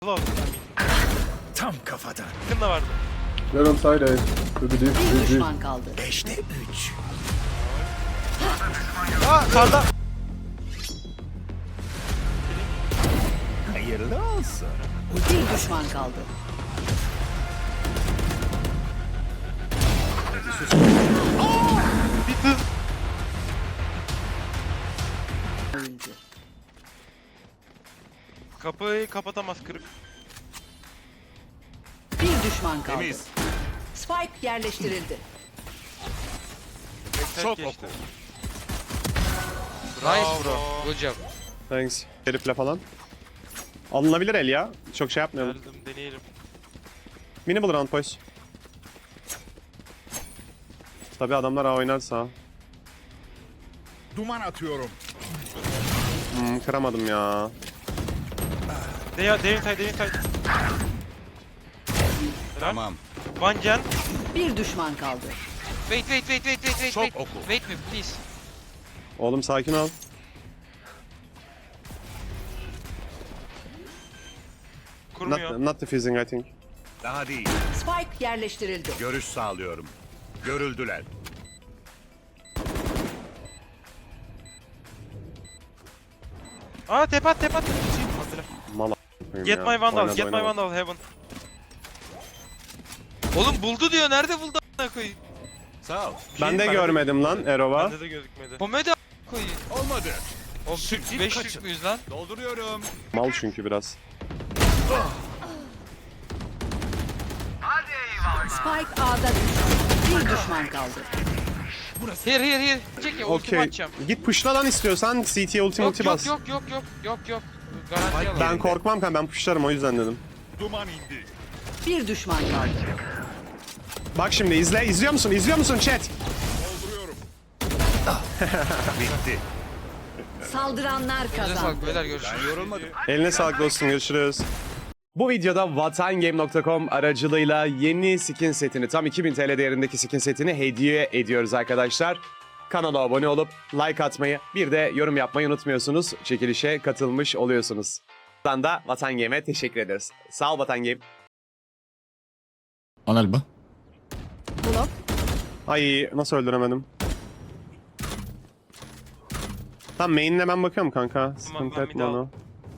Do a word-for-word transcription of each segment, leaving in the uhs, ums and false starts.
Close. Tam kafadan. Yakın da vardı. They're on side A. Could be deep. Bir Deep, deep. düşman kaldı. Beşte üç. Aa sağda. Hayırlı olsun. Bir düşman kaldı. Bir hız. Oyuncu. Kapıyı kapatamaz kırık. Bir düşman kaldı. Temiz. Spike yerleştirildi. Backside Çok geçti. oku. Nice bro. Good job. Thanks. Herifle falan. Alınabilir el ya. Çok şey yapmayalım. Geldim deneyelim. Minimal round boys. Tabi adamlar A oynarsa. Duman atıyorum. Hmm, kıramadım ya. Deya, devin say, devin say. Tamam. One gen. Bir düşman kaldı. Wait wait wait wait wait wait Çok wait. oku. Wait me please. Oğlum sakin ol. Kurmuyor. Not, not defusing I think. Daha değil. Spike yerleştirildi. Görüş sağlıyorum. Görüldüler. Aa tep at tep at. Hazır. Mal a**ayım Get ya. my vandal, Oynadı, get my oynadı. vandal heaven. Oğlum buldu diyor. Nerede buldu a**ına koyayım? Sağ ol. Ben de Bende- görmedim lan Erova. Bende de gözükmedi. Komedi a**ına koyayım. Olmadı. Oğlum Şimdi beş kaçın. yüz müyüz lan? Dolduruyorum. Mal çünkü biraz. Spike A'da düştü. Bir düşman kaldı. Here here here. Çek ya ultimi Okey. atacağım. Git pushla lan istiyorsan. C T ulti Yok multi yok bas. yok yok yok yok yok. Garanti alalım. Ben korkmam kanka, ben pushlarım o yüzden dedim. Duman indi. Bir düşman kaldı. Bak şimdi izle. İzliyor musun? İzliyor musun chat? Dolduruyorum. Bitti. Saldıranlar Size kazandı. sağlık beyler görüşürüz. Ben yorulmadım. Eline sağlık dostum, görüşürüz. Bu videoda vatangame nokta com aracılığıyla yeni skin setini, tam iki bin T L değerindeki skin setini hediye ediyoruz arkadaşlar. Kanala abone olup like atmayı, bir de yorum yapmayı unutmuyorsunuz. Çekilişe katılmış oluyorsunuz. Buradan da Vatangame'e teşekkür ederiz. Sağ ol Vatangame. On elbow. Ay nasıl öldüremedim? Tamam, main'ine ben bakıyorum kanka. Sıkıntı ben etme bir daha- onu.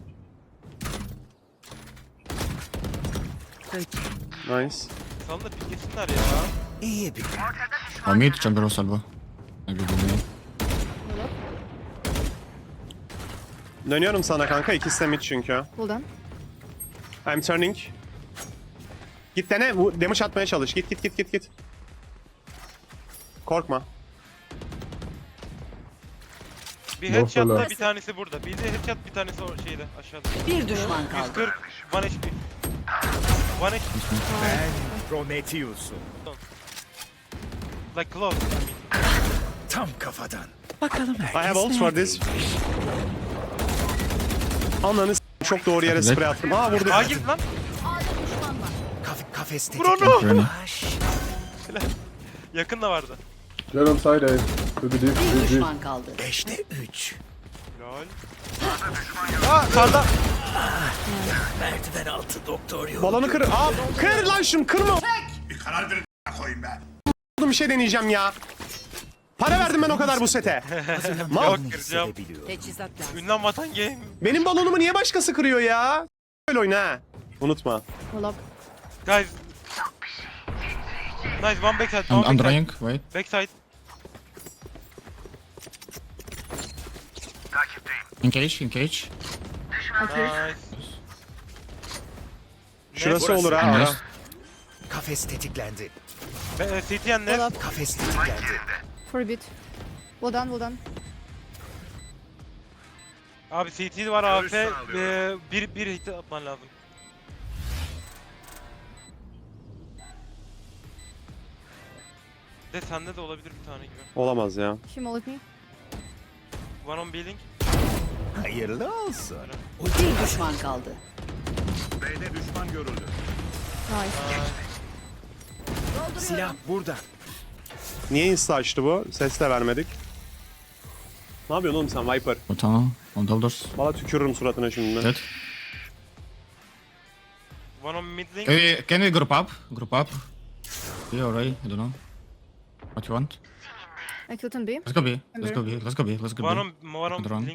Nice. Salın da piklesinler ya. İyi bir. On mid, jungle was elbow. Maybe the main. Dönüyorum sana kanka, ikisi de mid çünkü. Hold on. I'm turning. Git dene, bu damage atmaya çalış. Git git git git git. Korkma. Bir No headshot'la fella. bir tanesi burada. Bir de headshot, bir tanesi o şeyde aşağıda. Bir düşman yüz kaldı. kırk. one H P. one H P. Ben Prometheus'um. Like close. Tam kafadan. I have ult for this. Ananı s- çok doğru yere spray attım. Aa vurdu. Aa git lan. Kaf kafes Vur tetiklendi. onu. Remy. Yakın da vardı. They're on side A. Could be deep. Bir düşman kaldı. Beşte üç. Lol. Aa sağda. Merdiven altı doktor yok. Balonu kır. Aa kır lan şunu, kırma. Bir karar verin koyayım ben. Bir şey deneyeceğim ya. Para verdim ben o kadar bu sete. Mal. Yok kıracağım. Teçhizat lazım. Ünlem vatan game. Benim balonumu niye başkası kırıyor ya? Böyle oyna ha. Unutma. Hold up. Guys. Nice one backside. I'm, One I'm backside. drying, wait. Backside. Engage, engage. Nice. Şurası Burası. olur ha. ara. Nice. Kafes tetiklendi. Be- e, C T and Nest. Hold up. Kafes tetiklendi. For a bit. Well done, well done. Abi C T var A F. Görüş sağlıyorum. E, bir, bir hit atman lazım. De sende de olabilir bir tane gibi. Olamaz ya. She mullet me. One on building. Hayırlı olsun. Bir düşman kaldı. B'de düşman görüldü. Nice. Silah burada. Niye insta açtı bu? Ses de vermedik. Ne yapıyorsun oğlum sen Viper? What on? On double doors. Valla tükürürüm suratına şimdi. Dead. One on mid link. Can we, can we group up? Group up. B or A? I don't know. What you want? I killed him B. Let's go B. Let's go B. Let's go B. Let's go One B. on, one on Good run. link.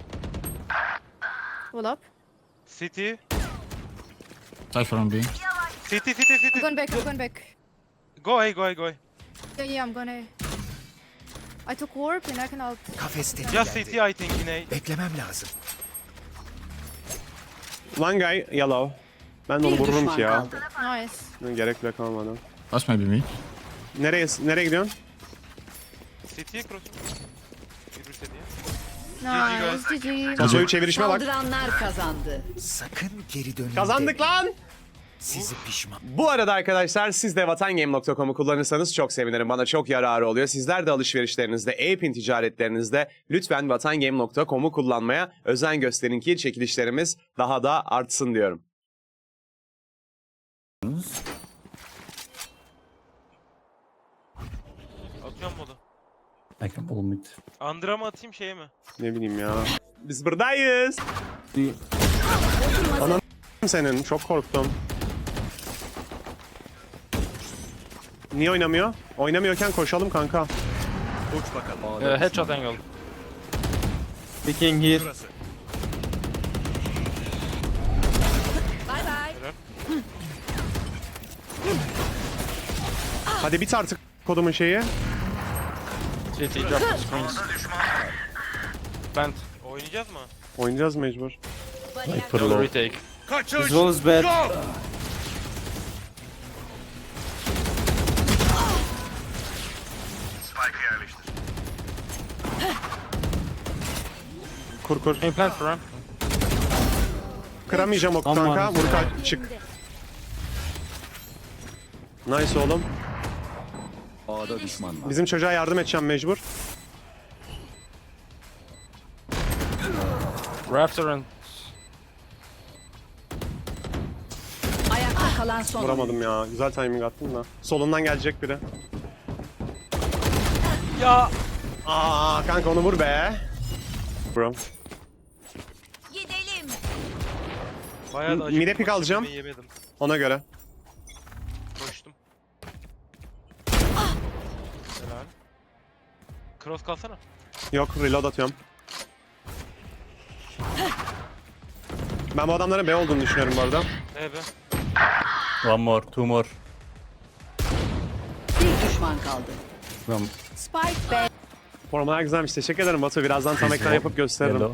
Hold up. City. Cypher on B. City, city, city. I'm going back, I'm going back. Go A, go A, go A. Yeah, yeah, I'm gonna. I took warp and I can ult. Kafes Just tetiklendi. City I think in A. Beklemem lazım. One guy yellow. Ben de onu Bir vururum düşman ki ya. kaldı. Nice. Gerek bile kalmadı. That's maybe me. Nereye nereye gidiyorsun? City'ye cross. Yürürse diye. Nice. G G. Tasoyu çevirişime bak. Saldıranlar kazandı. Sakın geri dönün. Kazandık deme. lan. Sizi pişman. Bu arada arkadaşlar siz de vatangame nokta com'u kullanırsanız çok sevinirim. Bana çok yararı oluyor. Sizler de alışverişlerinizde, e-pin ticaretlerinizde lütfen vatangame nokta com'u kullanmaya özen gösterin ki çekilişlerimiz daha da artsın diyorum. Atıyorum modu. I can pull mid. Under'a mı atayım şeye mi? Ne bileyim ya. Biz buradayız. Anam senin. Çok korktum. Niye oynamıyor? Oynamıyorken koşalım kanka. Uç bakalım. Uh, headshot angle. Picking here. Burası. Bay bay. Hadi bit artık kodumun şeyi. City drop the screens. Plant. Oynayacağız mı? Oynayacağız mecbur. For low. Retake. Kaçış. This wall is bad. Go. Spike'ı yerleştir. Kur kur. Hey, plant for run. Kıramayacağım oku Aman. kanka. Vur kaç çık. Nice oğlum. A'da düşman var. Bizim çocuğa yardım edeceğim mecbur. Rafter and Ayakta kalan son. Vuramadım ya. Güzel timing attım da. Solundan gelecek biri. Ya. Aa kanka onu vur be. Bro. Gidelim. Bayağı da Mide acıktım, pick alacağım. yemeği Yemedim. Ona göre. Koştum. Helal. Cross kalsana. Yok reload atıyorum. Ben bu adamların B olduğunu düşünüyorum bu arada. Ne be? One more, two more. Bir düşman kaldı. From Spike B. Formalar güzelmiş. Teşekkür ederim Batu. Birazdan tam ekran yapıp gösteririm. yellow.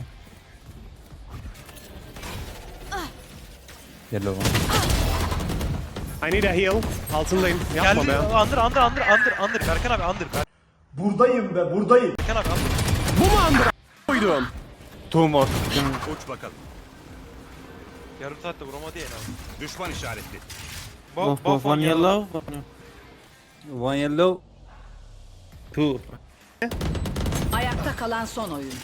Yellow one. I need a heal. Altındayım. Yapma Geldi. be. Under, under, under, under, under. Berkan abi under. Ber- Buradayım be buradayım. Berkan abi under. Bu mu andıra koydum? Two more. Uç bakalım. Yarım saatte vuramadı ya en az. Düşman işaretli. Bo One, bo one yellow. One yellow. Two. Ayakta kalan son oyuncu.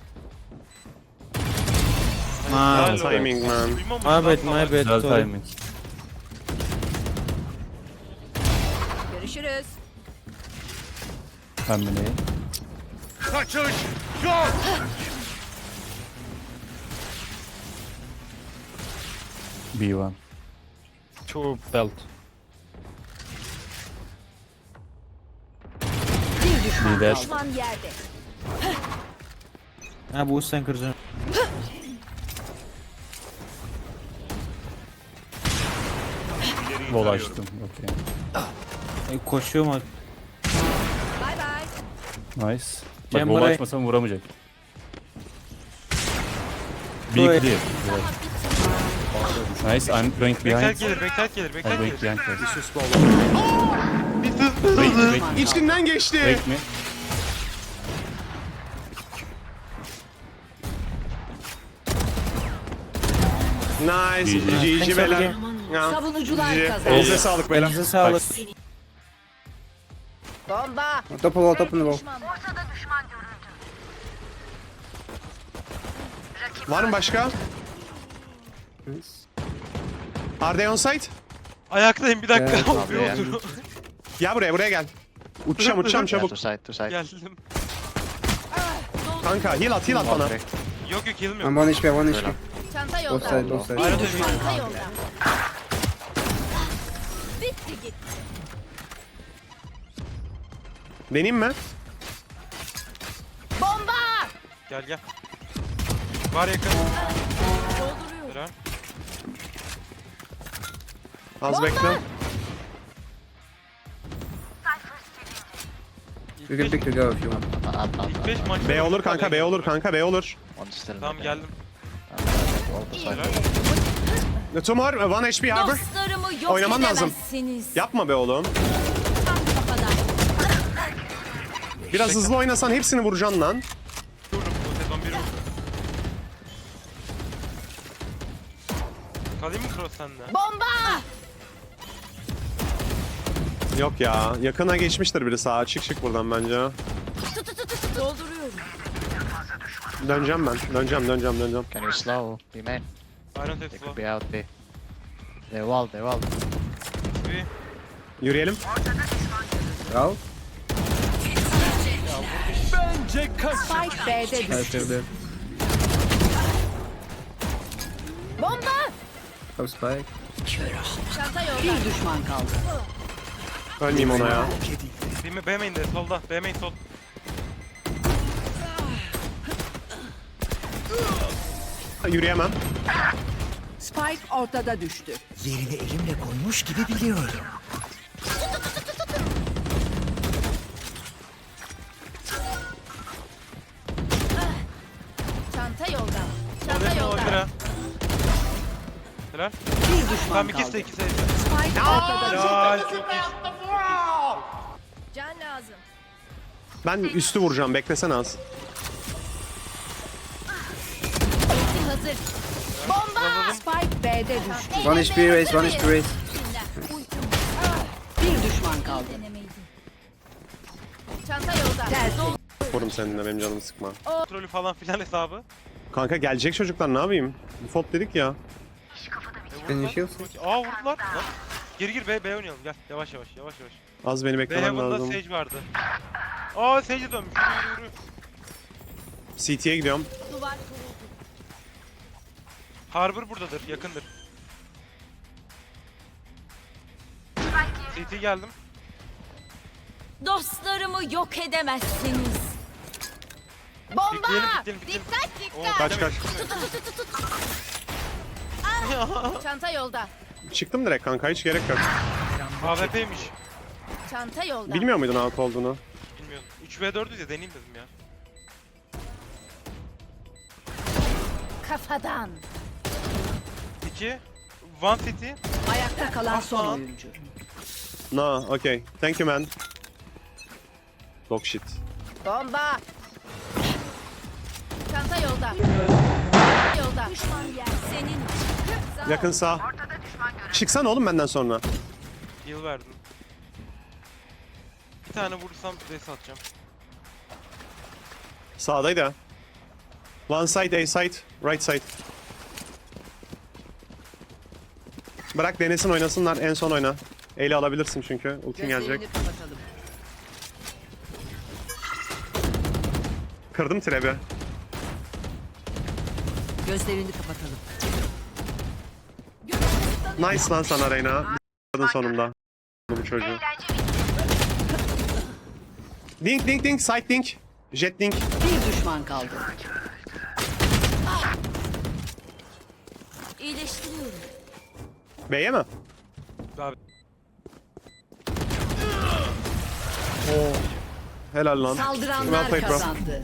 Helal Timing olsun. man. Duymamış My lan bad, salak. my bad. Güzel timing. Görüşürüz. Hamile. Kaçış. Yok. B one. Two belt. Bir düşman Bir de- kaldı. Düşman yerde. Ha bu sen kıracaksın. İleriyi Bol tarıyorum. açtım. Okey. E, koşuyorum abi. Bay bay. Nice. Bak Cem bol buraya- açmasam vuramayacak. Buraya- Big clear. Nice, I'm going Backside behind. gelir, backside gelir, I'm backside going gelir. behind first. Sus be oğlum. Bir sus. Break, break, İçinden geçti. break me. Nice. G G. G G beyler. Ya. Savunucular G G. kazandı. Elinize sağlık beyler. Elinize sağlık. Bomba. Top wall, top wall. Var mı başka? Are they on site? Ayaktayım bir dakika. Evet, Bir abi ya. otur. Gel buraya buraya gel. Uçacağım uçacağım çabuk. Geldim. Kanka heal at heal at bana. Yok yok heal'im yok. I'm one H P, one H P. Çanta Both yolda. side, both side. Ayrı Düşman dönüyorum. kaldı. Deneyim mi? Gel gel. Var yakın. Dolduruyorum. Helal. Az bekle. You can pick the go if you want. İlk beş maç. B olur kanka, B olur kanka, B olur. Tamam geldim. Two more, one H P Harbor. Dostlarımı yok Oynaman lazım. edemezsiniz. Yapma be oğlum. Tam kafadan. Biraz hızlı oynasan hepsini vuracaksın lan. Vururum bu sezon biri vurdu. Kalayım mı cross sende? Bomba! Yok ya, yakına geçmiştir biri sağa. Çık çık buradan bence. Dolduruyorum. Döneceğim ben, döneceğim, döneceğim, döneceğim. Can you slow? Be man. Iron Tech They slow. could be out B. They wall, they wall. Bir. Yürüyelim. Go. Spike B'de I düştü. still there. Bomba! Go spike. Çanta yolda. Bir düşman kaldı. Ölmeyeyim ona ya. B, B main'de solda. B main sol. Yürüyemem. Spike ortada düştü. Çanta yolda. Çanta Odasına yolda. on lira. Helal. Bir düşman Tamam kaldı. ikisi de ikisi de. Spike ortada düştü. Helal çok iyi. Can lazım. Ben üstü vuracağım, beklesene az. Ulti hazır. Bomba! Spike B'de düştü. One H P raise, one H P raise. Bir düşman kaldı. Denemeydi. Çanta yolda. Tersi. Vururum seninle, benim canımı sıkma. Kontrolü falan filan hesabı. Kanka gelecek çocuklar, ne yapayım? Default dedik ya. Can you shield? Aa vurdular. Lan. Gir gir B, B oynayalım gel. Yavaş yavaş yavaş yavaş. Az beni B beklemen Heaven'da lazım. Sage vardı. Aa Sage'e dönmüş. Yürü yürü yürü. C T'ye gidiyorum. Duvar kuruldu. Harbor buradadır, yakındır. C T geldim. Dostlarımı yok edemezsiniz. Bomba! Pikleyelim, pikleyelim, pikleyelim. Dikkat Oo, dikkat. Kaç kaç. Çanta yolda. Çıktım direkt kanka, hiç gerek yok. A W P'ymiş. Çanta yolda. Bilmiyor muydun out olduğunu? Bilmiyorum. üç v dördüz ya deneyeyim dedim ya. Kafadan. iki. One City. Ayakta kalan son oyuncu. No, okay. Thank you man. Dog shit. Bomba. Çanta yolda. Yolda. Düşman yer. Senin. Yakın sağ. Çıksana oğlum benden sonra. Heal verdim. Bir tane vurursam res atacağım. Sağdaydı ha. One side, A side, right side. Bırak denesin, oynasınlar, en son oyna. Eli alabilirsin çünkü, ultin gelecek. Gözlerini kapatalım. Kırdım trebi. Gözlerini kapatalım. Nice lan sana Reyna. B***ladın sonunda. Bu çocuğu. Dink dink dink, side dink. Jet dink. Bir düşman kaldı. İyileştiriyorum. B'ye mi? Abi. Helal lan. Saldıranlar Well played, bro. kazandı.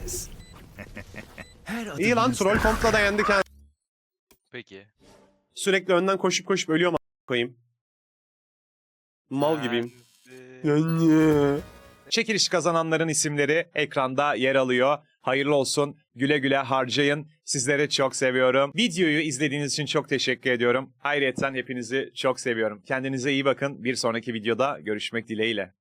İyi lan, troll kompla da yendik ha. Peki. Sürekli önden koşup koşup ölüyorum a**ına koyayım. Mal gibiyim. Ee, Çekiliş kazananların isimleri ekranda yer alıyor. Hayırlı olsun. Güle güle harcayın. Sizleri çok seviyorum. Videoyu izlediğiniz için çok teşekkür ediyorum. Ayrıca hepinizi çok seviyorum. Kendinize iyi bakın. Bir sonraki videoda görüşmek dileğiyle.